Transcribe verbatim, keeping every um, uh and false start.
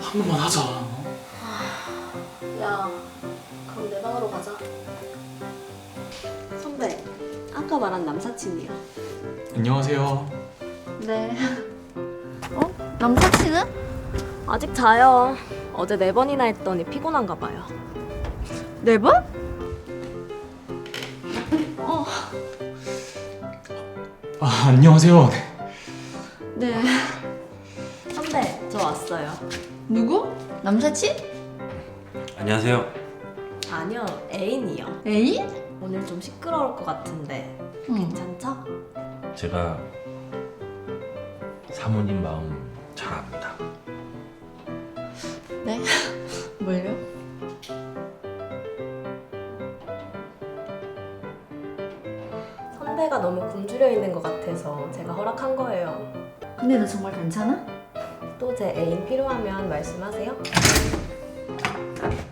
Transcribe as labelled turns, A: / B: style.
A: 한 번만 하자.
B: 야, 그럼 내 방으로 가자. 선배, 아까 말한 남사친이야.
A: 안녕하세요.
B: 네. 어? 남사친은? 아직 자요. 어제 네 번이나 했더니 피곤한가 봐요. 네 번? 어.
A: 아, 안녕하세요.
B: 네. 선배, 저 왔어요.
C: 누구? 남사친?
D: 안녕하세요.
B: 아니요, 애인이요.
C: 애인?
B: 오늘 좀 시끄러울 것 같은데
C: 응.
B: 괜찮죠?
D: 제가 사모님 마음 잘 압니다.
C: 네? 뭘요?
B: 선배가 너무 굶주려 있는 것 같아서 제가 허락한 거예요.
C: 근데 너 정말 괜찮아?
B: 또 제 애인 필요하면 말씀하세요.